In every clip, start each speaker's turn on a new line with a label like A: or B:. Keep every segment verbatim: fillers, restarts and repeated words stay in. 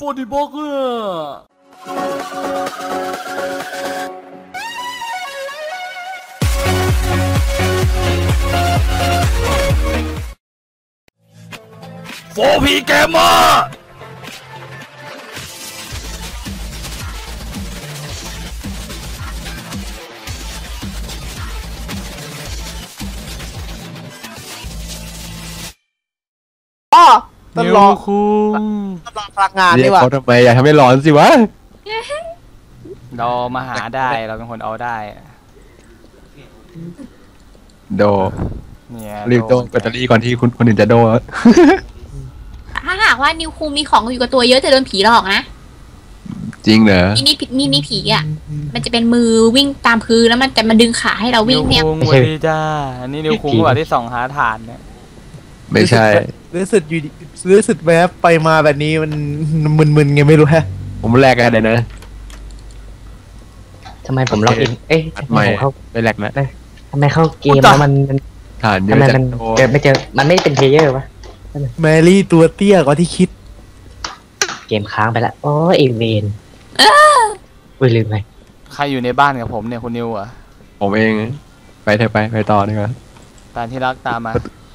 A: Vor die Woche! Vor P Gamer!
B: ต้องรอคุณต้องรอพลังงานนี่วะ
C: เขาทำไมอยากทำให้ร้อนสิวะ
A: เรามาหาได้เราเป็นคนเอาได้
C: โด
A: เนี่ย
C: รีบโดแบตเตอรี่ก่อนที่คุณคนอื่นจะโด
D: ถ้าหากว่านิวคูมีของอยู่กับตัวเยอะจะโดนผีหลอกนะ
C: จริงเหรอ
D: นี่นี่นี่นี่ผีอ่ะมันจะเป็นมือวิ่งตามพื้นแล้วมันจะมาดึงขาให้เราวิ่งเนี่ย
A: นิวคุงสวัสดีจ้าอันนี้นิวคุงว่าที่ส่องหาฐานเนี่ย
C: ไม่ใช่
B: รู้สึกอยู่รู้สึกแวบไปมาแบบนี้มันมึนๆไงไม่รู้ฮะ
C: ผมแลกกันเลยนะ
E: ทำไมผมล็อกอินเอ๊ะทำไม
C: ผมเข้าไม่แลกนะ
E: ทำไมเข้าเกมแล้วมัน
C: ฐานเยอะจัง
E: เจอไม่เจอมันไม่เป็นเพลเยอร์วะ
B: แมรี่ตัวเตี้ยกว่าที่คิด
E: เกมค้างไปละโอ้เอเวนอุ้ยลืมไป
A: ใครอยู่ในบ้านกับผมเนี่ยคุณนิวอ่ะ
C: ผมเองไปเถอะไปไปต่อดีกว่า
A: ตามที่รักตามมา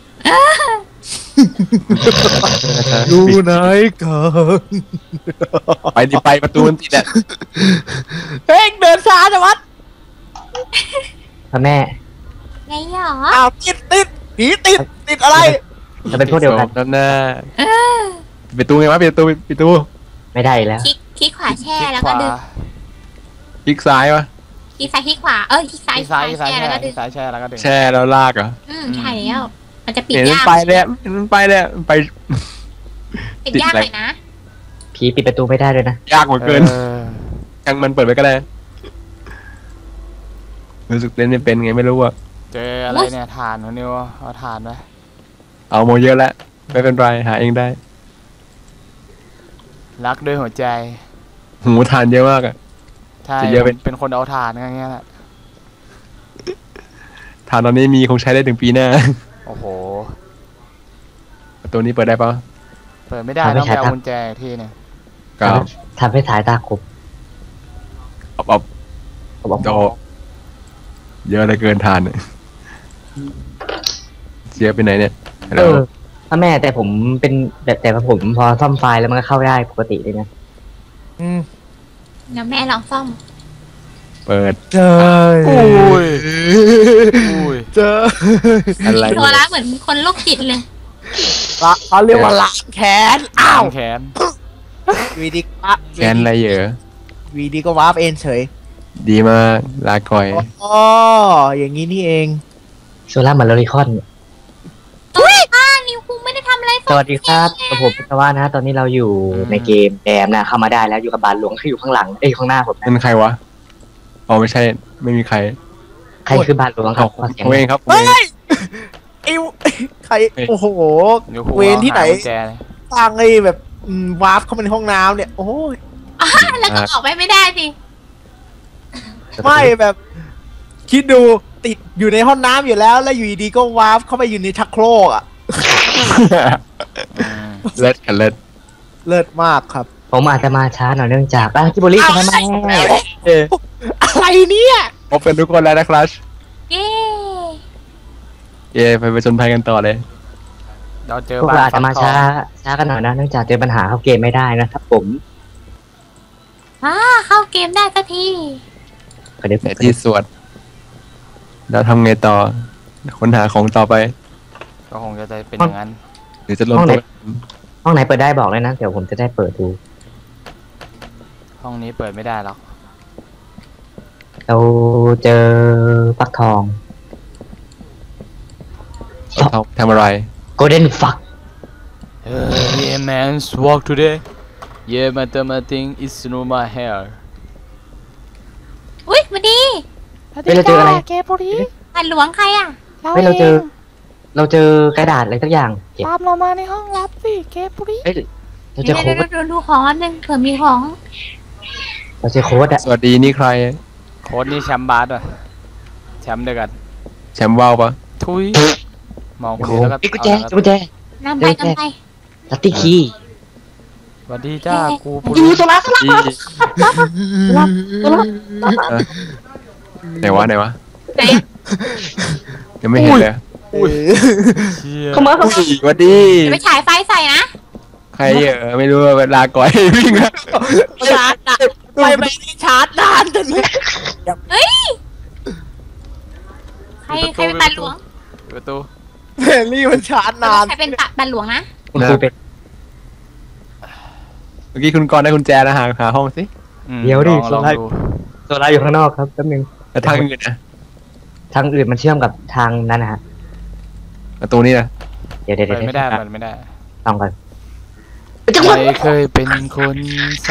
B: ดูไหนกัน
C: ไปดิไปประตูมันติดอ่ะ
B: เฮ้ยเดินช้าจังวะ
E: พ่อแม่
D: ไงหรอ
B: อ้าวติดติดผีติดติดอะไร
E: จะเป็นพวกเดียวกัน
C: นั่นน่ะปิดประตูไงวะปิดประตูปิดประตู
E: ไม่ได้แล้ว
D: คลิกคลิกขวาแช่แล้วก็ดึง
C: คลิกซ้ายวะ
D: คลิกซ้ายคลิกขวาเออคลิกซ้าย
A: ซ้ายแช่แล้วก็ดึงซ้ายแช่แล้วก็ดึง
C: แช่แล้วลากเหรอ
D: อืมใช่แล้วมันจะปิด
C: ยากไปเลยมันไปเลยไป
D: ปิดยากเลยนะ
E: ผีปิดประตูไม่ได้เลยนะ
C: ยากกว่าเกินยังมันเปิดไปก็ได้รู้สึกเล่นไม่เป็นไงไม่รู้อะ
A: เจออะไรเนี่ยฐานของนิวเอาฐานไป
C: เอาโมเยอะแล้วไม่เป็นไรหาเองได้
A: รักด้วยหัวใจ
C: หูฐานเยอะมากอะ
A: ใช่เยอะเป็นเป็นคนเอาฐานอย่างเงี้ยแหละ
C: ฐานตอนนี้มีคงใช้ได้ถึงปีหน้า
A: โอ้โห
C: ประตูนี้เปิดได้ปะ
A: เปิดไม่ได้ต้องไปเอากุญแจที่เนี่ย
C: ครับ
E: ทำให้ถ่ายตาคม
C: อบอบอบโตเยอะเลยเกินทานเนี่ยเจี๊ยบไปไหนเนี่ย
E: เออพ่อแม่แต่ผมเป็นแบบแต่ผมพอซ่อมไฟล์แล้วมันก็เข้าได้ปกติเลยนะ
D: อืมแล้วแม่ลองซ่อม
C: เปิด
B: เจอ
A: โอ้ยโอ้ย
B: เจอ
D: อะไรตัวละเหมือนคนโรคจิตเลย
B: ละเขาเรียกว่าล้างแขนอ้าว
A: แขน
B: วีดีก็
C: แขนอะไรเยอะ
B: วีดีก็วาร์ปเองเฉย
C: ดีมากลาก่อย
B: อ๋ออย่างนี้นี่เอง
E: โซล่ามาโลริคอน
D: เฮ้ยอ่านิวคุงไม่ได้ทำอะไร
E: สวัสดีครับผมเป็นว่านะตอนนี้เราอยู่ในเกมแดมนะเข้ามาได้แล้วอยู่กับบานหลวงที่อยู่ข้างหลังเอ้ยข้างหน้าผม
C: เป็นใครวะอ๋อไม่ใช่ไม่มีใคร
E: ใครคือบานหลวงครับ
C: ผมเองครับ
B: เฮ้ยไอ้ใครโอ้โหเวรที่ไหนสร้างไอ้แบบวาร์ปเข้ามาในห้องน้ำเนี่ยโอ้ย
D: แล้วก็ออกไปไม่ได้สิ
B: ไม่แบบคิดดูติดอยู่ในห้องน้ำอยู่แล้วแล้วอยู่ดีก็วาร์ปเข้าไปอยู่ในชักโครกอ่ะ
C: เลิศกันเลิศ
B: เลิศมากครับ
E: ผมอาจจะมาช้าหน่อยเนื่องจากกิบริทำไม
B: อะไรเนี่ย
C: พบกันทุกคนแล้วนะครับ
D: เย้
C: เย้ไปไปชนภัยกันต่อเลย
A: เราเจอ
E: พวกเราอาจจะมาช้าช้ากันหน่อยนะเนื่องจากเจอปัญหาเข้าเกมไม่ได้นะครับผม
D: อ่าเข้าเกมได้สักที
C: แต่ที่สวดแล้วทำไงต่อค้นหาของต่อไป
A: ก็คงจะเป็นอย่างนั้น
C: หรือจะลงตัว
E: ห้องไหนเปิดได้บอกเลยนะเดี๋ยวผมจะได้เปิดดู
A: ห้องนี้เปิดไม่ได้หรอก
E: เราเจอฟักทอง
C: ทำอะไร
E: Golden fuck
A: yeah man walk today yeah my thing is no my hair
D: อุ้ยมาดี
E: เราเจออะไร
D: เกปุรีผ่านหลวงใครอ่ะ
E: เฮ้ยเราเจอเราเจอกระดาษอะไรสักอย่าง
D: ตามเรามาในห้องลับสิเกปุรี
E: เราเจอโค้ด
D: ดูดูของอันนึงเผื่อมีของ
E: เราเจอโค้ดอะ
C: สวัสดีนี่ใคร
A: โค้ดนี่แชมป์บาสอ่ะแชมป์เดียวกัน
C: แชมป์ว่าวปะ
A: ทุยมองคนนี้แล้วก็
E: กุญแจกุญแจ
D: นำไปนำไป
E: ลัตตี้คี
A: สวัสดีจ้ากูปุ
E: ดู
A: รุ
E: โซล่าโซล่า
C: อี
E: โซล่าโซล่า
C: เออไหนวะไหนวะ
D: ไหน
C: ยังไม่เห็นเลย
B: อุ้ย
A: เชี่ย
E: เข้ามาเข้ามา
C: สวัสดี
D: จะไปฉายไฟใส่นะ
C: ใครเออไม่รู้เวลาก่อยวิ่งอะ
B: ชาร์จนานไปไปนี่ชาร์จนานจนไม่
D: เฮ้ยใครใครเป็นปันหลวง
A: ประตู
B: แมรี่มันชาร์จนาน
D: ใครเป็นปันหลวงนะ
E: คุณครูเป็น
C: เมื่อกี้คุณกรณ์ได้กุญแจนะหาหาห้องสิ
A: อืม
E: เดี๋ยวดิ
A: ลองลอง
E: โซล่า
A: ดู
E: โซล่าอยู่ข้างนอกครับแป๊บนึง
C: แต่ทางอื่นนะ
E: ทางอื่นมันเชื่อมกับทางนั้นนะฮะ
C: ประตูนี้นะ
E: เดี๋ยวเดี๋ยว
A: เปิ
E: เดี๋ยว
A: ดไม่ได้เปิดไม่ได้
E: ลองก่อน
A: ใครเคยเป็นคนซ้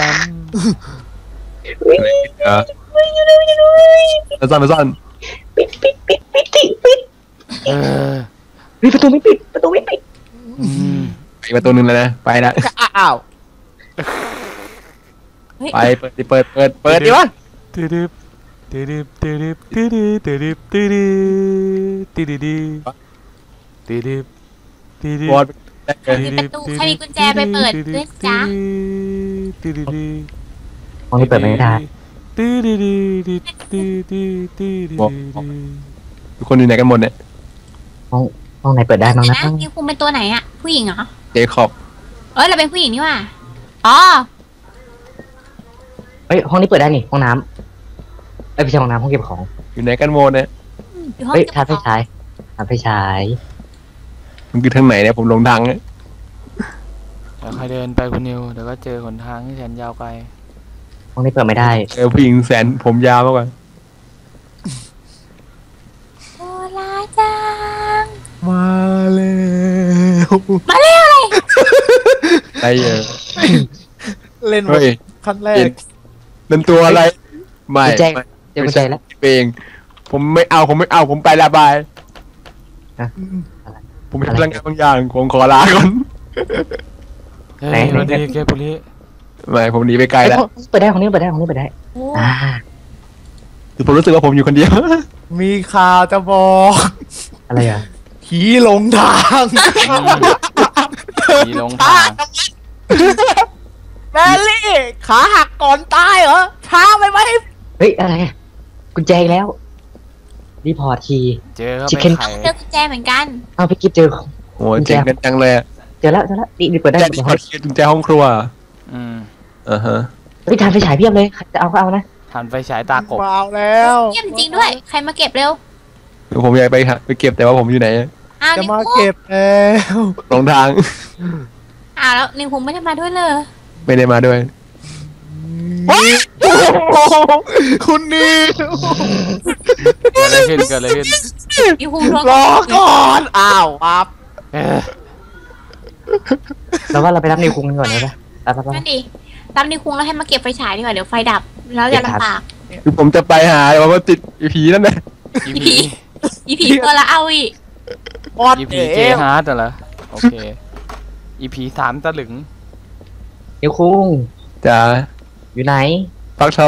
C: เออแล้วซ่อนแล้วซ่อน
E: ปิดปิดปิดปิดปิดปิด
A: ำเออ
E: เฮ้ยประตูไม่ปิดประตูไม่ปิด
A: อืม
C: อีกประตูหนึงแล้วนะไปละ
B: อ้าว
C: ไปเปิดดิเปิดเปิดเปิดดิวะ
A: ตืดบตืดบตืดบตืดบตืดบตืดบตืดบตืดบตืด
C: บอล
A: บ
C: ได้เลย
D: มีประตูใครมีกุญแจไปเปิดด้วยจ้า
A: ตืดบ
E: ห้องนี้เปิดไม่ได้
A: ตืดบตืดบตืดบตืดบ
C: ทุกคนอยู่ไหนกันหมดเนี่ย
E: ห้องห้องไหนเปิดได้บ้างนะ
D: นะนิวคุงเป็นตัวไหนอะผู้หญิงเหรอ
C: เจคอบ
D: เอ้ยเราเป็นผู้หญิงนี่หว่าอ๋อ
E: เฮ้ยห้องนี้เปิดได้นี่ห้องน้ำเอ้ยไม่ใช่ห้องน้ำห้องเก็บของ
C: อยู่ไหนกันหมดเนี่ย
D: อยู่ห้อง
E: เฮ้ย
D: เก็บ
E: ทานไฟ
D: ของ
E: ฉายทานไฟฉาย
C: มันคือทางไหนเนี่ยผมหลงทางเนี่ย
A: เดี๋ยวใครเดินไปคุณนิวเดี๋ยวก็เจอหนทางที่แสนยาวไกล
E: ห้องนี้เปิดไม่ได้
C: เจอผู้หญิงแสนผมยาวมากกว่า
D: โซลาจัง
B: มาแล้ว
D: มาเร็วเลย
C: อะไรเออ
B: เล่น
C: เฮ้ย
B: ขั้นแร
C: เห็
B: ก
C: นนั่นตัวอะไรไม่
E: กุญแจ
C: ไม่
E: เจอกุญแจแล้ว
C: เองผมไม่เอาผมไม่เอาผมไประบาย ผมมี
E: อะไร
C: พลังงานบางอย่างผมขอลาก่อน
A: เฮ้ย
E: ไหน
A: สวัสดีแกปุริ
C: ไม่ผมหนีไปไกลแล้ว
E: เอ้ยเปิดได้ห้องนี้เปิดได้ห้องนี้เปิดได้
D: โอ้
E: อ่า
C: คือผมรู้สึกว่าผมอยู่คนเดียว
B: มีข่าวจะบอก
E: อะไรอ่ะ
B: ผีหลงทาง
A: มีลงทาง
B: แมรี่ขาหักก่อนตายเหรอช้าไปไหม
E: เฮ้ยอะไรอะกุญแจอีกแล้วรีพอร์ตที
A: เจอเขาไป
E: Chicken
A: ไข่
D: เจอกุญแจเหมือนกัน
E: เอาพี่กิฟเจอ
C: โอ้ยเจ๋งกันจังเลยอะ
E: เจอแล้วเจอแล้วนี่นี่เปิดได้
C: แจ
E: เปิด
C: ห้
E: ได้
C: องกุญแจห้องครัว
A: อืม
C: อ่าฮะ
E: เฮ้ยทานไฟฉายเพียบเลยใครจะเอาก็เอานะ
A: ทันไฟฉายตากบ
B: มาแล้ว
D: เยี่ยมจริงด้วย ใครมาเก็บเร็ว
C: คือผมอยากไปหาไปเก็บแต่ว่าผมอยู่ไหน
D: อ้าว
B: จะ
D: นิว
B: มา
D: คุง
B: เก็บแล้ว
C: หลงทาง
D: อ้าวแล้วนิวคุงไม่ได้มาด้วยเลย
C: ไม่ได้มาด้วย
B: คุณนิว
A: เกิดอะไรขึ้นเกิดอะไรขึ้น
D: นิวคุงทวง
B: รอก่อนอ้าวปั๊บ
A: เออ
E: เราว่าเราไปรับนิวคุงกันก่อนเลยปะไปไปไป
D: นั่นดิรับนิวคุงแล้วให้มาเก็บไฟฉายดีกว่าเดี๋ยวไฟดับ แล้วจะลำบาก
C: คือผมจะไปหาแต่ว่าติดไอ้ผีนั่นแหละ
A: อี
D: อี
A: พี
D: ผีอีผีตัวละเอาอีก
B: ออด
A: อี
B: เอ
A: พีเจ
B: ว
A: ฮาร์ดเหรอโอเคอีพีสามตะลึง
E: นิวคุง
C: จะ
E: อยู่ไหน
C: ฟักทอง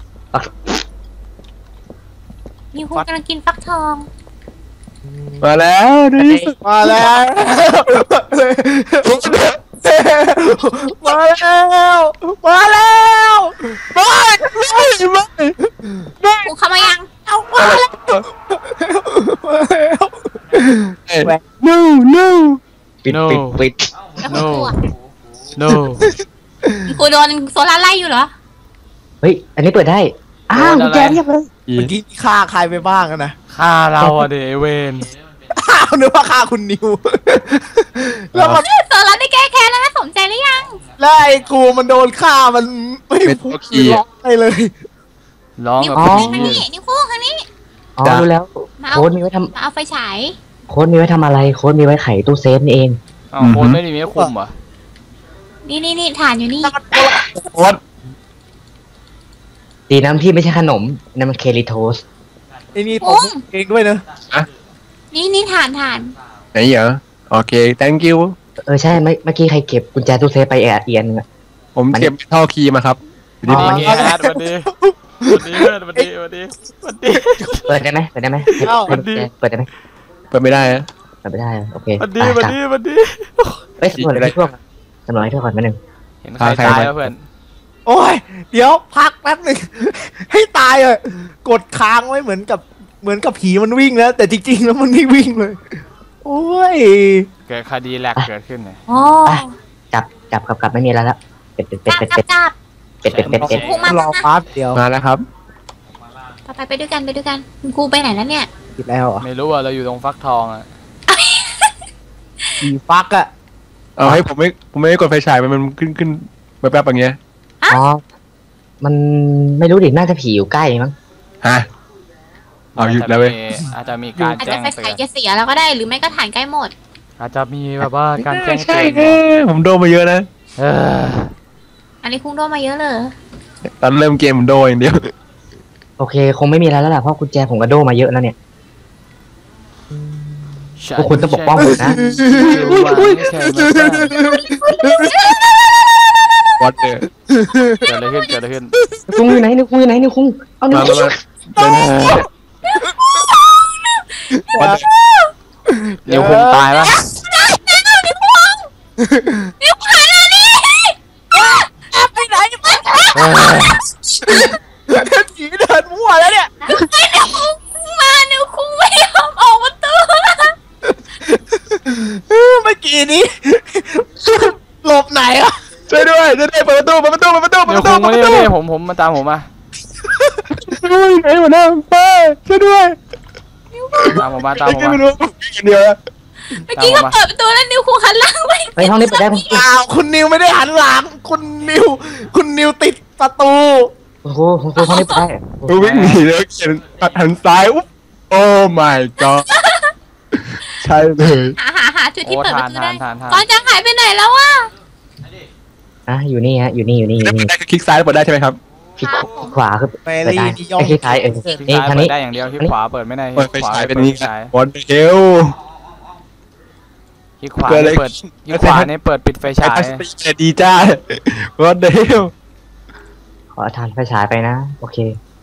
D: นิวคุงกำลังกินฟักทอง
C: มาแล้วดูดิ
B: มาแล้วมาแล้วมาแล้วไม่ไม่ไม่
D: คุงเข้ามายัง
B: เอามาแล้วมาแล้ว
C: เอ้ย no no
E: ปิดปิดปิด
D: แล้วคุณครูอะ
A: no
D: คุณครูโดนโซล่าไล่อยู่เหรอ
E: เฮ้ยอันนี้เปิดได้อ้าว
A: โดนอะไร
E: กุญแจเพียบเลย
C: อี
B: เมื่อกี้ฆ่าใครไปบ้างอะนะ
A: ฆ่าเราอะเดไอ้เวน
B: อ้าวนึกว่าฆ่าคุณนิวแล้วมัน
D: โซล่าได้แก้แค้นแล้วนะสมใจหรือยัง
B: แล้วไอ้กูมันโดนฆ่ามันไม่พูดร้องไปเลย
A: ร้อง
D: นิว
A: กับ
D: คุง
A: พี่
D: ทางนี้นิวคุงทางนี้
E: อ๋อรู้แล้ว
D: มาเอา
E: โค้ดมีไว้ท
D: มาเอาไฟฉาย
E: ำโค้ดมีไว้ทำอะไรโค้ดมีไว้ไขตู้เซฟนี่เอง
A: อ้าวโคนไม่ได้มีให้คุมเหรอ
D: นี่นี่นี่ฐานอยู่นี่
C: โอ๊ต
E: ดีน้ำที่ไม่ใช่ขนมนั่นมันเคลิโทส
B: ไอ้นี่ผมเองด้วยเนอะ
D: นี่นี่ฐานฐาน
C: ไหนเหรอโอเค thank you
E: เออใช่เมื่อเมื่อกี้ใครเก็บกุญแจตู้เซฟไปแอบเอียนงอะ
C: ผมเก็บท่อคีย์มาครับอยู่
A: ดี
C: ดี
A: ดีเกฮาร์ดวันดีวันดีเพื่อนวันดีวันดีวันดี
E: เปิดได้ไหมเปิดได้ไหม
A: เอ้า
E: เปิดเปิดได้ไหม
C: ๆเปิดไม่ได้อะ
E: เปิดไม่ได้โอเค
A: วันดี
E: ไป
A: วัน
E: กลับ
A: ดีวันดี
E: เฮ้ยสำรวจให้ทั่วก่อนสำรวจให้ทั่วก่อนมาหนึ่ง
A: เห็นใครตายแล้วเพื่อน
B: โอ้ยเดี๋ยวพักแป๊บหนึ่งให้ตายเลยกดค้างไว้เหมือนกับเหมือนกับผีมันวิ่งแล้วแต่จริงๆแล้วมันไม่วิ่งเลยโอ้ย
A: เกิดคดีแหลกเกิดขึ้นเลย
D: โอ้
E: จับจับกับกับไม่มีแล้วละเป็ดเป็ดเป็ด
D: จับ
E: เป็ด
D: จับ
E: เป็ดเป็ดเป็ดเป็ด
D: ครูมาร
B: อแป๊บเดียว
C: มาแล้วครับ
D: ไปไปด้วยกันไปด้วยกันคุณครูไปไหนแล้วเนี่ย
B: ผิดแล้วอ่ะ
A: ไม่รู้อ่ะเราอยู่ตรงฟักทองอ่ะ
B: ผีฟักอ่ะ
C: เอาให้ผมไม่ผมไม่ได้กดไฟฉายมันมันขึ้นขึ้นแป๊บๆอย่างเงี้ย
E: อ๋อมันไม่รู้ดิน่าจะผีอยู่ใกล้มั้ง
C: ฮะเอาหยุดแล้วเว้ย
A: อาจจะมีการ
D: อาจ
A: แจ้
D: จะ
A: ง
D: ไฟฉายจะเสียแล้วก็ได้หรือไม่ก็ฐานใกล้หมด
A: อาจจะมีแบบว่าการแจ้งเตื
C: อนผมโดนมาเยอะนะ
A: เออ
D: อันนี้คุ้งโดนมาเยอะเลย
C: ตอนเริ่มเกมผมโดนอย่างเดียว
E: โอเคคงไม่มีแล้วแล้วแหละเพราะกุญแจผมก็โดนมาเยอะแล้วเนี่ยพวกคุณต้องปกป้องผมนะ
C: วัดเดอร์
A: เกิดอะไรขึ้นเกิดอะไรขึ้น
E: คุ้งอยู่ไหนนิวคุ้งอยู่ไหนนิวคุ้งเอานิวคุ้ง
A: นิวคุ้งตายปะ
D: นิวคุ้งหายแล้วนี่ไปไหน
B: ผีเดินมั่วแล้วเนี่ย
D: นิวคุ้งมานิวคุ้งไม่ยอมออกประตู
B: เมื่อกี้นี้หลบไหนอ่ะ
C: ช่วยด้วยช่วยด้วยเปิดประตูเปิดประตูเปิดประตู
A: เดี๋ยวคุ้งมาเนี่ยนี่ผมผมมาตามผมมา
C: ช่วยไหนมาหน้าป้าช่วยด้วย
A: ตามผมมาตามผมมา
C: เดียว
D: เมื่อกี้ก็เปิดประตูแล้วนิวคุ้งหันหลังไป
E: ไปห้องนี้ไปได้ผม
B: อ้าวคุณนิวไม่ได้หันหลังคุณนิวคุณนิวติดประตู
E: โอ้โหโอ้โหห้องนี้ไปได้
C: วิ่งหนีแล้วเขียนหันซ้ายอุ๊บโอ้ my god ใช่เลย
D: หาหาหาจุดที่เปิดประตูได้ก่อนจะหายไปไหนแล้ววะ
E: อ่ะอยู่นี่ฮะอยู่นี่อยู่นี่อยู่นี่
C: ได้คลิกซ้ายเปิดได้ใช่ไหมครับ
E: คลิกขวาคือ
B: เปิดได้
E: คลิกซ้ายเออ
A: นี่ทางนี้ได้อย่างเดียวคลิกขวาเปิดไม่ได้
C: เปิดไฟฉายเป็นนี้บอลเฮล
A: คลิกขวาเปิดคลิกขวาเนี่ยเปิดปิดไฟฉาย
C: ดีจ้าบอลเฮล
E: ขอทานไฟฉายไปนะโอเค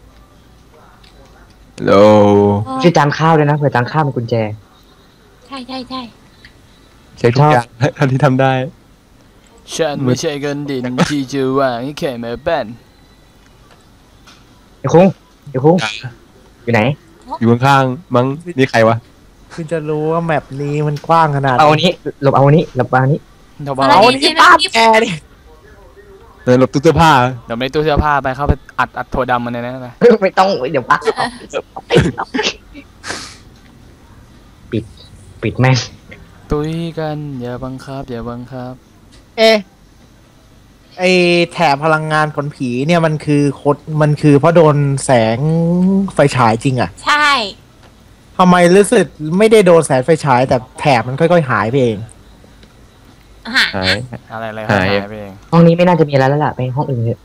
C: โล
E: ช่วยจานข้าวด้วยนะเผื่อจานข้าวเป็นกุญแจ
D: ใช่ใช่ใช่
C: เช็คทุกอย่างทันที่ทำได้
A: ฉันไม่ใช่คนดินที่จะว่างแค่มาบ้าน
E: ไอ้คุ้งไอ้คุ้งอยู่ไหน
C: อยู่ข้างๆมั้งนี่ใครวะ
B: คุณจะรู้ว่าแมปนี้มันกว้างขนาด
E: เอาอันนี้หลบเอาอันนี้หลบเอาอันนี้
B: เอาอันนี้ป้าแกดิ
C: หลบตู้เสื้อผ้า
A: เดี๋ยวไม่ตู้เสื้อผ้าไปเข้าไปอัดอัดโถดำมันเลยนะ
E: ไม่ต้องเดี๋ยวปักปิดปิดแม่ง
A: ตุ้ยกันอย่าบังคับอย่าบังคับ
B: เอไอแถบพลังงานผลผีเนี่ยมันคือโคตรมันคือเพราะโดนแสงไฟฉายจริงอ่ะ
D: ใช่
B: ทำไมรู้สึกไม่ได้โดนแสงไฟฉายแต่แถบมันค่อยๆหายไปเอง
A: หายอะไรอะไรหายไปเอง
E: ห้องนี้ไม่น่าจะมีอะไรแล้วล่ะไปห้องอื่นเถอะ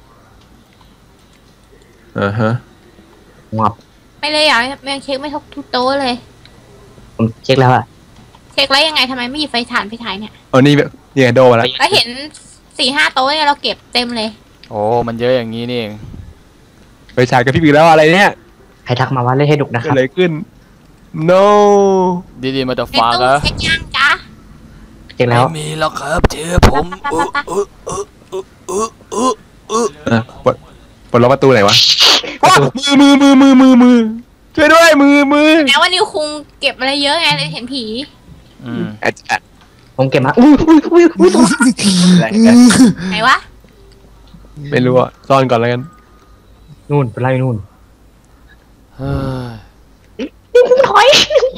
C: อ่าฮะ
E: งับ
D: ไม่เลยอ่ะยังเช็คไม่ทุกโต๊ะเลย
E: ผมเช็คแล้วอะ
D: เช็คแล้วยังไงทำไมไม่หยิบไฟถ่านไฟฉายเนี่ย
C: อ๋อนี่แบบนี่โดมาแล้ว
D: แล้วเห็นสี่ห้าโต๊ะเนี่ยเราเก็บเต็มเลย
A: โอ้มันเยอะอย่างนี้นี่เอง
C: ไฟฉายกับพี่ปีแล้วอะไรเนี่ย
E: ใครทักมาว่าเล่นให้ดุกนะครับ
C: อะไรขึ้น no
A: ดีๆมาต่อฟ้าแล้ว
D: เช็คยังจ้า
E: เช็คแล้ว
A: ไม่มีแล้วครับเจอผมเออเออเออเออเออเออเออ
C: เออปลดปลดล็อกประตูไหนวะมือมือมือมือมือมือช่วยด้วยมือมือ
D: แม้ว่านิวคุงเก็บอะไรเยอะไงเลยเห็นผี
A: อืม
E: ผมเก็บมาอุ้ยอุ้ยอุ้ยอุ้ย
D: ไหนวะ
C: ไม่รู้อ่ะซ่อนก่อนแล้วกัน
E: นู่นไปไล่นู่น
A: เฮ้
E: ยถอย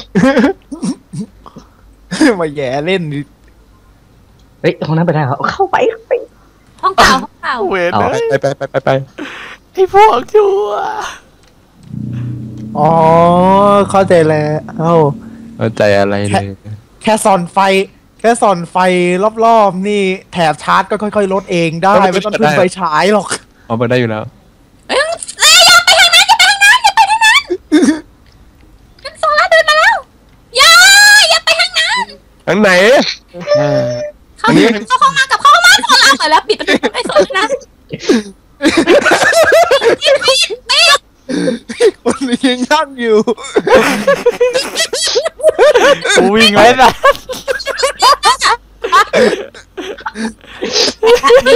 B: มาแย่เล่นดิ
E: เฮ้ยห้องนั้นไปได้เหรอเข้าไปไป
D: ห้องเก่าห้องเก่า
C: เวทไปไปไปไปไป
A: ไอ้พวกชั่ว
B: อ๋อเข้าใจแล้วเอ้า
C: เข้าใจอะไรเลย
B: แค่ส่อนไฟแค่ส่อนไฟรอบๆนี่แถบชาร์จก็ค่อยๆลดเองได้ไม่ต้องพึ่งไฟฉายหรอก
C: อ๋อเปิดได้อยู่แล้ว
D: เอ้ยอย่าไปทางนั้นอย่าไปทางนั้นอย่าไปทางนั้นนั่นโซล่าเดินมาแล้วอย่าอย่าไปทางนั้น
C: ทางไหน
D: เข้าเข้าเข้ามากับเข้ามาโซล่าเปิดแล้วปิดประตูไอ้โซล่า
B: คนยังนั่งอยู่
A: กูวิ่งไว้ละ
D: นิ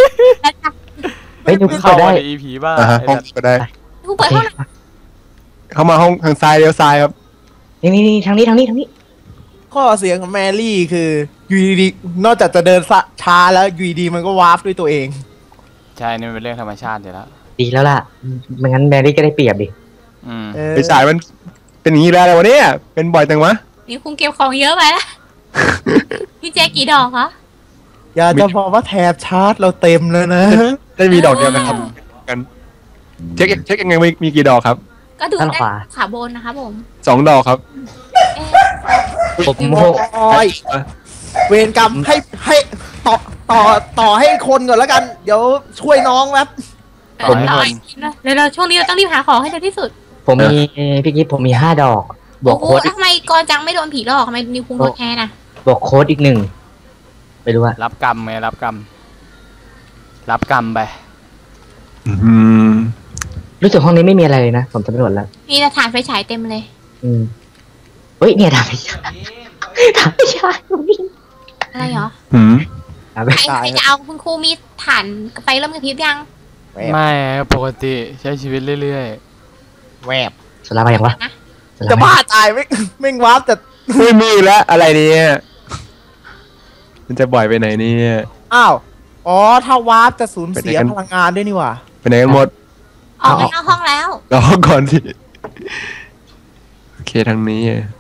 E: ยนิวคุง
A: เข้า
E: เปิดได้
A: มาใน อี พี บ้าง
C: อ่าฮะ
A: ไอ้
C: ห้อง
A: สัตว์
C: ก็ได้
D: กูเปิดห้องน้
C: เข้ามาห้องทางซ้ายเลี้ยวซ้ายครับ
E: นี่นี่นี่ทางนี้ทางนี้ทางนี้
B: ข้อเสียของแมรี่คืออยู่ดีๆนอกจากจะเดินช้าแล้วอยู่ดีๆมันก็วาร์ปด้วยตัวเอง
A: ใช่นี่มันเป็นเรื่องธรรมชาติอยู่แล้ว
E: ดีแล้วล่ะไม่งั้นแมรี่ก็ได้เปรียบดิ
A: อืม
B: เออ
C: ไปฉายมันเป็นอย่างนี้แล้วอะไรวะเนี่ยเป็นบ่อยจังวะ
D: ำนี่คุงเก็บของเยอะไปแล้วพี่แจกี่ดอกคะ
B: อย่าจะบอกว่าแถบชาร์จเราเต็มแล้วนะ
C: ได้มีดอกเดียวนะครับกันเช็คเช็คยังไงมีมีกี่ดอกครับ
D: ก็ดู
E: ด้าน
D: ได้
E: ขวา
D: ขาบนนะคะผม
C: สองดอกครับ
D: เอ๊ะ
E: ผมโม
B: โอ้ยเวรกรรมให้ให้ต่อต่อต่อให้คนก่อนแล้วกัน เดี๋ยวช่วยน้องแป๊บ
A: ผม
D: เออเดี๋ยวเราช่วงนี้เราต้องรีบหาของให้เร็วที่สุด
E: ผมมีพี่กิ๊ฟผมมีห้าดอก บวก
D: โอ้
E: โค้ด
D: โหทำไมกอจังไม่โดนผีหลอกทำไมนิวคุงโดนแทนอ่ะ
E: บวกโค้ดอีกหนึ่งไม่รู้ว่า
A: รับกรรมไงรับกรรม รับกรรมไป
C: อืม
E: รู้สึกห้องนี้ไม่มีอะไรเลยนะผมสำรวจแล้ว
D: มีแต่ถ่านไฟฉายเต็มเลย
E: อืมเฮ้ยเนี่ยทำไม่ใช่ทำไม่ใช่ตรงนี้
D: อะไรเหรอ
C: หืม
E: ทำไม่
D: ใคร
E: ใช่
D: ใครจะเอาคุณครูมีถ่านไฟเริ่มกระพริบยัง
B: แวบ
A: ไม่ปกติใช้ชีวิตเรื่อย
B: แวบ
E: สลามาอย่างวะสล
B: จะ
E: ม
B: บ้าตายไม่ไม่งวาร์ปแต่
C: ไม่มีแล้วอะไรเนี่ยมันจะบ่อยไปไหนเนี่ย
B: อ้าวอ๋อถ้าวาร์ปจะสูญเสีย
C: ไปไหนกัน
B: พลังงานด้วยนี่หว่า
C: ไปไหนกันหมด
D: ออกไปนอกห้องแล้ว
C: รอก่อนสิโอเคทางนี้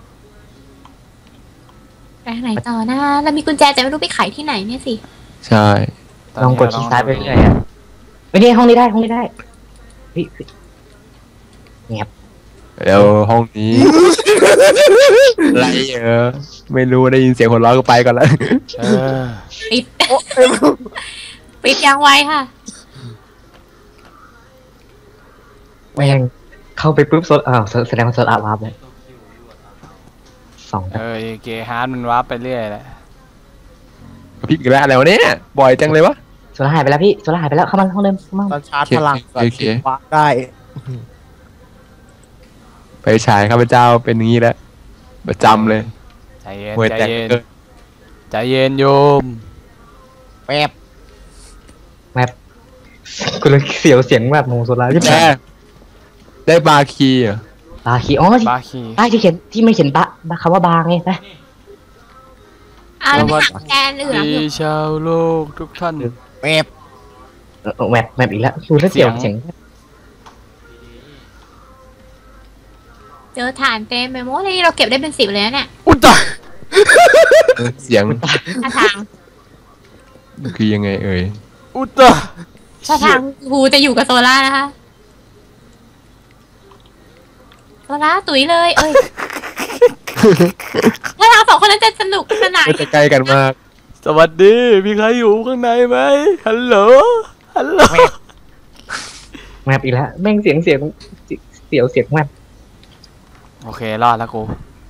D: ไปทางไหนต่อนะเรามีกุญแจแต่ไม่รู้ไปไขที่ไหนเนี่ยสิ
C: ใช่
A: ๆ
E: ลองกดชี้ซ้ายไปเรื่อยอ่ะไม่ได้ห้องนี้ได้ห้องนี้ได้เฮ้ยเฮ้ยเงียบ
C: เดี๋ยวห้องนี้ อะไรเออไม่รู้ได้ยินเสียงคนร้องก็ไปก่อนแล้ว
A: เออ
D: ปิด
B: โอ้เอ้ย
D: ปิดยังไวค่ะ
E: แม่งเข้าไปปุ๊บโซลอ้าวแสดงว่าโซลอาร์วาร์ปเลยสอง
A: เออเกฮาร์ดมันวับไปเรื่อยแหละ
C: พี่อีกแล้วอะไรวะเนี่ยบ่อยจังเลยวะ
E: โซลาร์หายไปแล้วพี่โซลาร์หายไปแล้วเข้ามาห้องเดิมเข้ามา
B: ตอนชาร์จพลังก่อน
C: โอเค
B: วาร์ปได้
C: ไปฉายข้าพเจ้าเป็นอย่างนี้แล้วประจำเลย
A: ใจเย็น
C: หวย
A: ใจ
C: แตก
A: เย็น
C: เกิน
A: ใจเย็นโยม
B: แวบ
E: แมปกูเลยเสียวเสียงแบบโมโซลาร์ที่
C: แม่ได้บาร์คีย์เหรอ
E: บาคีอ๋อที่
A: บาคี
E: ใต้ที่เขียนที่มันเขียนบะคำว่าบาไงไป
D: อ่าแล้วไปหาแกนเหลือง
A: ดี
D: อยู่
A: ชาวโลกทุกท่าน
B: แวบ
E: เออแมปแมปอีกแล้วดูแล้วเสียว
A: เสี
E: เสี
A: ย
E: ย
A: ง
E: ง
D: เจอถ่านเต็มไปหมดเลยเราเก็บได้เป็นสิบเลยนะเนี่ย
A: อุยตาย
C: เออเสียง
D: ท่าทาง
C: คือยังไงเอ่ย
A: อุยตาย
D: ท่าทางครูจะอยู่กับโซล่านะคะโซล่าตุ๋ยเลยเอ้ยถ้าเราสองคนนั้นจะสนุกสนาน
C: ก็จะใกล้กันมาก
A: สวัสดี มีใครอยู่ข้างในไหมฮัลโหลฮัลโหล
E: แมปอีกแล้วแม่งเสียงเสียงเสียวเสียงแมป
A: โอเค รอดแล้วกู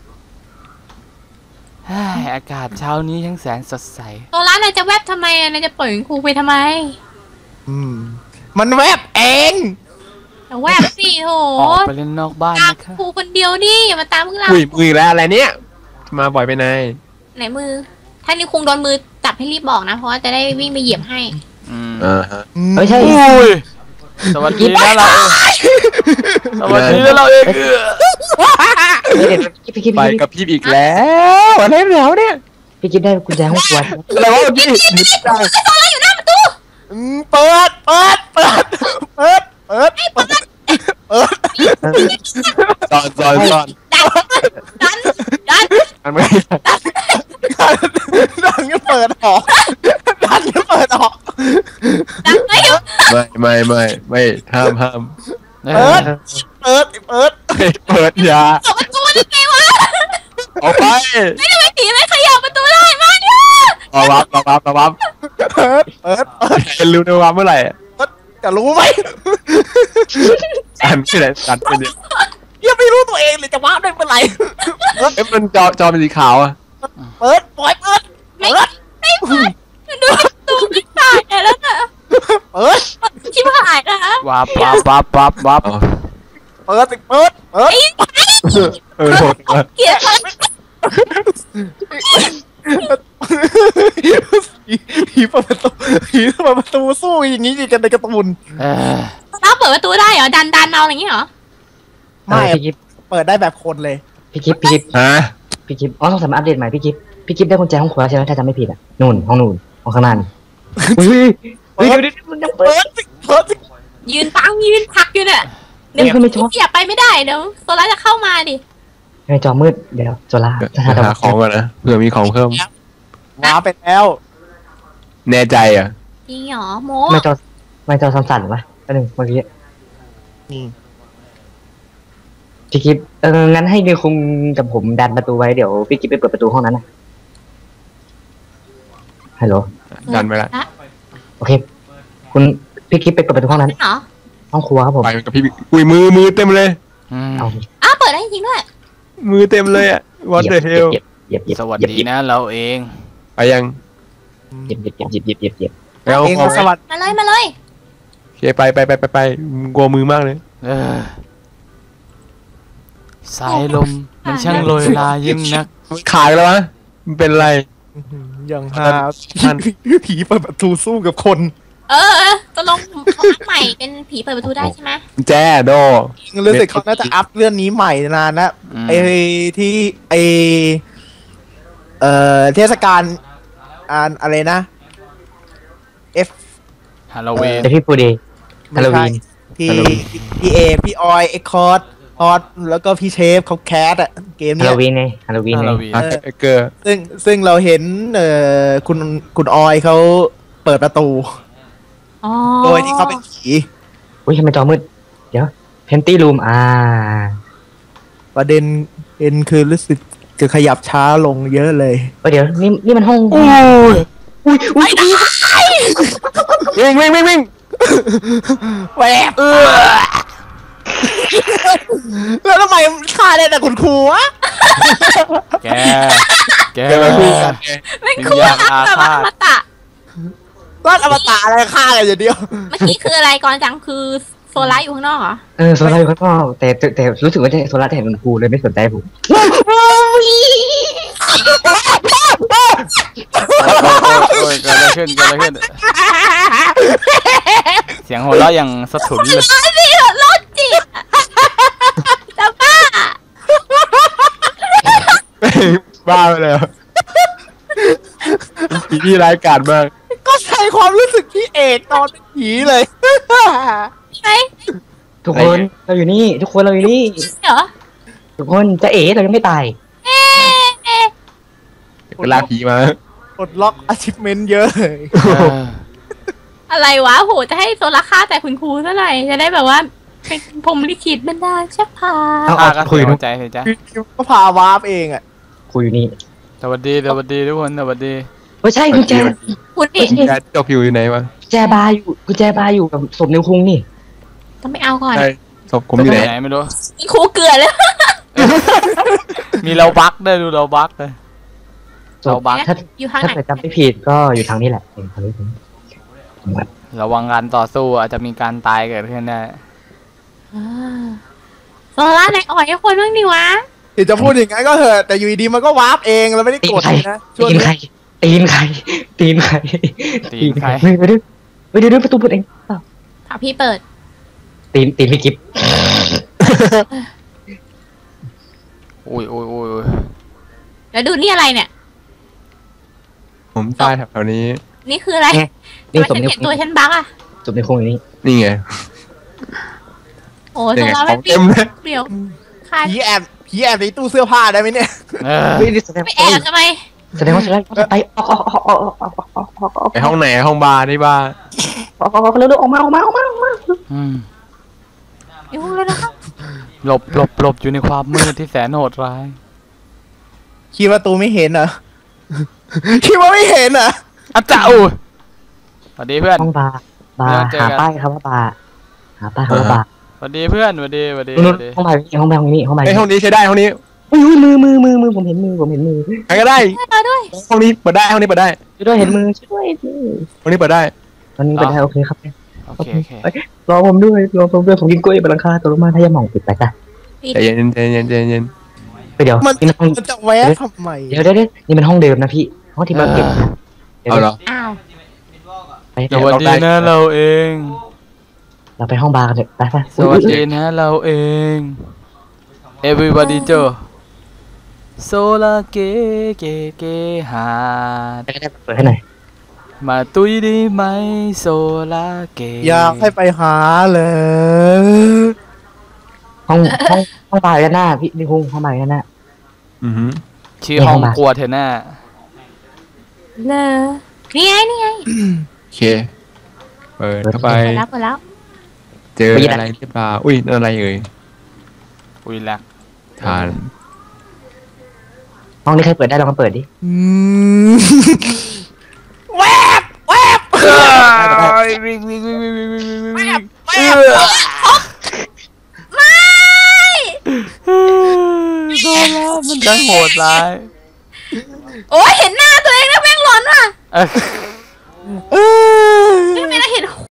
A: เฮ้ยอากาศเช้านี้ทั้งแสนสดใส
D: โซล่านายจะแวบทำไมอ่ะนายจะปล่อยครูไปทำไม
B: อืมมันแวบเอง
D: แต่แวบสิโห
A: ออกไปเล่นนอกบ้าน
D: ตาม
A: นะคะ
D: ครูคนเดียวดิอย่ามาตามพวกเรา
C: อุ้ยมือแล้วอะไรเนี่ยมาบ่อยไปไหน
D: ไหนมือ ถ้านิวคุงโดนมือจับให้รีบบอกนะ เพราะว่าจะได้วิ่งไปเหยียบให้
A: อืม
C: อ่าฮะ
E: เฮ้ยใช่
A: อุ้ยสวัสดีนะเราสวัสดีนะเราเองเออ
E: เดี๋ยวพี่กิ๊ฟ
C: ไป
E: พี่
C: กับพี่อีกแล้วอะไรแล้วเนี่ย
E: พี่กิ๊ฟได้กุญแจห้องครัว
C: อะไรวะพี่
B: อืมเปิดเปิดเปิดเปิดเปิดเปิดเปิด
C: ตอนตอนตอน
D: ดันดัน
C: มันไม่
B: ดันก็เปิดออกดันก็เปิดออก
D: ดันไม่หยุด
C: ไม่ไม่ไม่ไม่ห้ามห้าม
B: เปิดเปิดเปิด
C: ไม่เปิดอยา
D: เปิดประตูได้ไงวะ
C: ออกไป
D: ไม่ทำไมผีไม่ขยับประตูได้มาเนี่ย
C: รอวับรอวับรอวับ
B: เปิดเปิดเปิด
C: เป็นรู้นะวับเมื่อไหร่
B: จะรู้ไหม
C: สันที่ไหนสันเป็นเนี่ย
B: ยังไม่รู้ตัวเองเลยจะว้าได้เมื่อไหร่
C: เอ๊ะมันจอจอเป็นสีขาวอ่ะ
B: เปิดปล่อยเปิด
D: ไม่
B: เปิด
D: ไม่เปิดดูประตูไม่ตายแล้วนะ
B: เปิด
D: ชิบหายนะ
A: วับวับวับวับวับ
C: อ๋อ
B: เปิดสิเปิดเปิด
D: ไอ้
C: เออโหดว่ะ
D: เกลียดมัน
B: เผีผีเปิดประตูผีเปิดประตูสู้อย่างนี้กันในการ์ตูน
A: เออ
D: เราเปิดประตูได้เหรอดันดันเอาอะไรอย่างงี้เหรอ
E: ไม่
B: ไม่
E: พี่กิฟ
B: เปิดได้แบบคนเลย
E: พี่กิฟพี่กิฟ
C: ฮะ
E: พี่กิฟอ๋อต้องสามารถอัปเดตใหม่พี่กิฟพี่กิฟได้กุญแจห้องครัวใช่ไหมถ้าจำไม่ผิดอ่ะนู่นห้องนู่นห้องข้างหน้านี่อุ้ยเฮ้ยเดี๋ยวเดี๋ยวมันยังเปิ
B: เปิ
E: ด
B: ดสิเปิดสิ
D: ยืนปังยืนพักอยู่เนี่ย
E: เดี๋ยวไม่ชอบ
D: เสียบไปไม่ได้เดี๋ยวโซล่าจะเข้ามาดิ
E: ในจอมืดเดี๋ยวโซล่าถ้า
C: หา
E: เรา
C: ของก่อนนะเผื่อมีของเพิ่ม
B: ว้าไปแล้ว
C: แน่ใจอ่ะ
D: จริงเหรอโม
E: ไม่จอไม่จอสั่นๆวะแป๊บนึงเมื่อกี้
B: นี่
E: พี่กิฟเอองั้นให้นิวคุงกับผมดันประตูไว้เดี๋ยวพี่กิฟไปเปิดประตูห้องนั้นนะฮัลโหล
C: ดันไปละ
E: โอเค คุณพี่กิฟไปเปิดประตูห้องนั้น
D: เหรอ
E: ห้องครัวครับผม
C: ไปกับพี่อุ้ยมือมือเต็มเลย
A: อืม
E: เอา
D: อ้าวเปิดได้จริงด้วย
C: มือเต็มเลยอ่ะ what the hell
E: เหยียบเหยียบ
A: สวัส
E: เหยียบ
A: ดี
E: เหยียบ
A: นะเราเอง
C: ไปยัง
E: เหยียบเหยียบเหยียบเหยียบเหยียบเหยียบ
C: ไปเอา
B: เอง
C: ของ
B: สวัสดี
D: มาเลยมาเลย
C: โอเคไปไปไปไปไปกลัวมือมากเลย
A: เออสายลมมันช่างโรยลายิ่งนัก
C: ขายแล้ววะมันเป็นไร
B: อย่างฮาผีเปิดประตูสู้กับคน
D: เออเออตกลงเขาอัพใหม่เป็นผีเปิดประตูได้ใช่ไหม
C: แจ้โด
B: รู้สึกเขาน่าจะอัพเรื่องนี้ใหม่นานนะ
A: อืม
B: ไอที่ไอเอ่อเทศกาลอ่านอะไรนะ F
A: ฮาโลวีน
E: แต่พี่ปูดีฮาโลวีน
B: พี่
E: ฮาโลวีน
B: พี่เอพี่ออยเอ็กคอร์ดฮอตแล้วก็พี่เชฟเขาแคสอะเกม
E: ฮา
B: เนี้
E: โล
B: ย
E: วีนไงฮาโลวีน
A: ฮา
E: ไง
A: โลวีน
C: อ่ะเอเกอร์
B: ซึ่งซึ่งเราเห็นเอ่อคุณคุณออยเขาเปิดประตู
D: อ๋อ
B: โดยที่เขาเป็นผี
E: อุ้ยทำไมจอมืดเดี๋ยวเพนตี้รูมอ่า
B: ประเด็นเอ็นคือรู้สึกจะขยับช้าลงเยอะเลย
E: เออเดี๋ยวนี่นี่มันห้อง
C: อุ้ย
E: อุ้ยอุ้ย
C: วิ่งวิ่งวิ่งวิ่ง
B: แหวบแล้วทำไมฆ่าได้แต่คุณครูวะ
A: แก แก
C: เกิดอะไรขึ้น
D: ไม่คู่
A: วิญญาณ
D: อัพแบบว่า
A: อาฆาต
D: อมตะ
B: รอดอมตะอะไรฆ่ากันอย่างเดียว
D: เมื่อกี้คืออะไรก่อนจังคือโซล่าอยู่ข้างนอกเหรอ
E: เออโซล่าอยู่ข้างนอกแต่แต่แต่รู้สึกว่าจะโซล่าจะเห็นคุณครูเลยไม่สนใจผม
A: โอ้ยเกิดอะไรขึ้นเกิดอะไรขึ้น เสียงหัวเราะอย่างสะทุนเลย
D: ร้อยสิโรคจิตจะบ้า
C: บ้าไปแล้วผีที่ร้ายกาจมาก
B: ก็ใช้ความรู้สึกพี่เอกตอนเป็นผีเลย
D: ใช่
E: ทุกคนเราอยู่นี่ ทุกคนเราอยู่นี่
D: เหรอ
E: ทุกคนจะเอ๋เรายังไม่ตาย
D: เอ๊ะเอ๊ะ
C: เวลากผีมา
B: ปลดล็อก achievement เยอะเลย
A: เออ
D: อะไรวะโหจะให้โซล่าฆ่าแต่คุณครูเท่าไหร่จะได้แบบว่าเป็นพรหมลิขิตบรรดาลใช่พา
E: เอา
A: ข้า
E: เอา
A: ก็
E: คุ
A: เสี
E: ย
A: ย
E: นุ
A: ใจเสียใจ
B: ก็พาวาร์ปเองอ่ะ
E: คุยอยู่นี่
A: สวัสดีสวัสดีทุกคนสวัสดี
E: ไม่ใช่กุญแจ
D: คุณดิ
C: แกจบอยู่ไหนวะ
E: กุญแจบาร์อยู่กุญแจบาร์อยู่กับศพนิวคุงนี่
D: ต้องไปเอาก่อน
C: ใช่ศพผมอยู่ไหน
A: ไหนไม่รู้
D: คุณครูเกลือเลย
A: มีเราบักได้วยดูเราบักเลย
E: ศ
A: เรา
E: พ
A: บัก
E: ถ้า
D: อยู่ทาง
E: ถ้า
D: ไหน
E: เกิดจำไม่ผิดก็อยู่ทางนี้แหละเองทางนี้ทางนี้
A: ระวังการต่อสู้อาจจะมีการตายเกิดขึ้นได้
D: อ่าโซล่าไหนอ่อยให้คนบ้างดิวะ
B: เดี๋ยวจะพูดอย่างนั้นก็เถอะแต่อยู่ดีๆมันก็วาร์ปเองเราไม่ได้
E: ตี
B: ก
E: น
B: ด
E: ใคร
B: นะช่วง
E: ตีน
B: นี้
E: ใครตีนใครตีนใคร
A: ตีนใคร
E: เฮ้ยไปดูไปดูดูประตูเปิดเองเปล่า
D: ถามพี่เปิด
E: ตีนตีนพี่กิฟต์
A: อุ้ยอุ้ยอุ้ยอุ้ย
D: แล้วดูนี่อะไรเนี่ย
C: ผมตายแถวๆนี้
D: นี่คืออะไร
E: นี่
D: ทำไม
E: ศพ
D: ฉัน
E: นิว
D: เห็น
E: คุ
D: ตัว
E: ง
D: ฉันบักอะ
E: ศพนิวคุงอยู่นี่
C: นี่ไง
D: โอ้
C: นี่
D: โซ
C: ไง
D: ล่า
C: ข
D: ไม่
C: อง
D: ปี
C: เต็มเลย
D: เปลี่ยวคา
B: ผีแอบผีแอบในตู้เสื้อผ้าได้ไหมเนี่ย
A: เออ
E: เฮ้ยนี่แสดง
D: ไม่แอบทำไม
E: แสดงว่าแสดงว่าไปออกออกออกออกออกออกออกออกออก
C: ไปห้องไหนห้องบาร์ที่บ้าน
E: ออกออกเร็วๆออกมาออกมาออกมาออกมา
A: อืม
D: อยู่เลยนะครับ
A: หลบหลบหลบอยู่ในความมืดที่แสนโหดร้าย
B: คิดว่าตูไม่เห็นเหรอ คิดว่าไม่เห็นเหรอ
A: อาจารย์อู้สวัสดีเพื่อน
E: ห้องบาร์บา
A: เดี๋
E: ร์
A: ยวเจอ
E: หา
A: กัน
E: ป้ายครับว่าบาร์หาป้ายครับว่าบาร์
A: สวัสดีเพื่อนสวัสดีสวัสดีส
E: นู่น
A: วัสดี
E: ห้องบาร์นี่ห้องบาร์นี่ห้องบาร์
C: ไอ
E: นี่
C: ห้องนี้ใช้ได้ห้องนี้
E: อุ้ยมือมือมือมือผมเห็นมือผมเห็นมือ
C: ใครก็ได้
D: ช่วยเราด้วย
C: ห้องนี้เปิดได้ห้องนี้เปิดได้
E: ช่วยด้วยเห็นมือช่วยด้วย
C: ห้องนี้เปิดได้
E: ตอนนี้เป็นไงโอเคครับ
A: โอเคโอเค
E: รอผมด้วยรอผมด้วยผมกินกล้วยบนหลังคาตัวลงมาถ้ายังมองปิดไปจ้ะ
C: ใจเย็นใจเย็นใจเย็น
E: ไปเดี๋ยว
B: มัน
E: นี่มันห้อง
B: มันจะแวะทำไม
E: เดี๋ยวเดี๋ยวเดี๋ยวนี่มันห้องเดิมนะพี่ห้องที่มาเก็บนะดี๋ยว
C: เอาเหรอ
D: อ้าว
E: ไป
A: สวัสดีนะเราเอง
E: เราไปห้องบาร์กันเถอะไปไป
A: สวัสดีนะเราเอง everybody เจอโซลาเกเกเกหาด
E: ไปได้เปิดให้หน่อย
A: มาตุยได้ไหมโซลาเก
B: อยากให้ไปหาเลย
E: ห้องห้องห้องบาร์กันหน้าพี่พี่คุงห้องบาร์กันหน้า
C: อือหือ
A: ชื่อห้องครัวเทน่า
D: เลอนี่ไงนี่ไง
C: โอเค เปิดเข้าไป
D: เปิดแล้วเปิดแล้ว
C: เจออะไรหรือเปล่าอุ้ยนั่นอะไรเอ่ย
A: อุ้ยลัก
C: ทาน
E: ห้องนี้ใครเปิดได้ลองมาเปิดดิ
B: อืมแวบแวบ
A: วิ่งวิ่งวิ่งวิ่งวิ่งวิ่งวิ่งวิ่งวิ่ง
B: แวบ
D: ไม่
A: โซลามันจะโหดร้าย
D: โอ้ยเห็นหน้าตัวเองแล้วแม่งหลอนว่ะ
A: เอ้ย
B: เออ
D: ไม่ไม่ได้เห็น